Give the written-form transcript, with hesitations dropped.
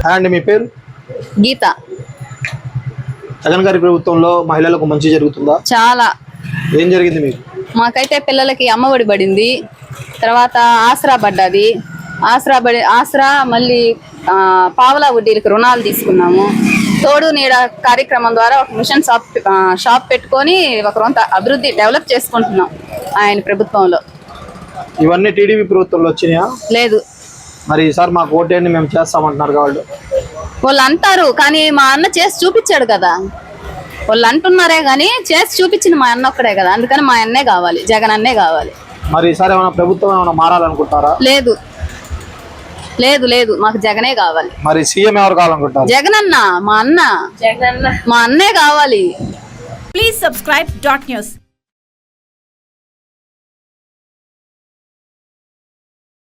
అండి మీ పేరు? గీత. జగన్ గారి ప్రభుత్వంలో మహిళలకు మంచి జరుగుతుందా? చాలా. ఏం జరిగింది మీకు? మాకైతే పిల్లలకి అమ్మఒడి పడింది, తర్వాత ఆసరా పడ్డది. ఆసరా మళ్ళీ పావలా వడ్డీలకు రుణాలు తీసుకున్నాము. తోడు నీడ కార్యక్రమం ద్వారా ఒక మిషన్ షాప్ పెట్టుకొని ఒక రొంత అభివృద్ధి డెవలప్ చేసుకుంటున్నాం ఆయన ప్రభుత్వంలో. ఇవన్నీ టీడీపీ ప్రభుత్వంలో వచ్చినాయా? లేదు. మరి ఈసారి మాకు ఓటేయండి మేము చేస్తామంటున్నారు వాళ్ళు అంటారు, కానీ మా అన్న చేసి చూపించాడు కదా. వాళ్ళు అంటున్నారే కానీ చేసి చూపించింది మా అన్న ఒక్కడే కదా. అందుకని మా అన్నే కావాలి, జగన్ అన్నే కావాలి. మరి ఈసారి ఏమైనా ప్రభుత్వం ఏమైనా మారాలనుకుంటారా? లేదు లేదు లేదు, మాకు జగనే కావాలి. మరి సీఎం ఎవరు కావాలనుకుంటారు? జగన్ అన్న, మా అన్న, మా అన్నే కావాలి. Please subscribe .news.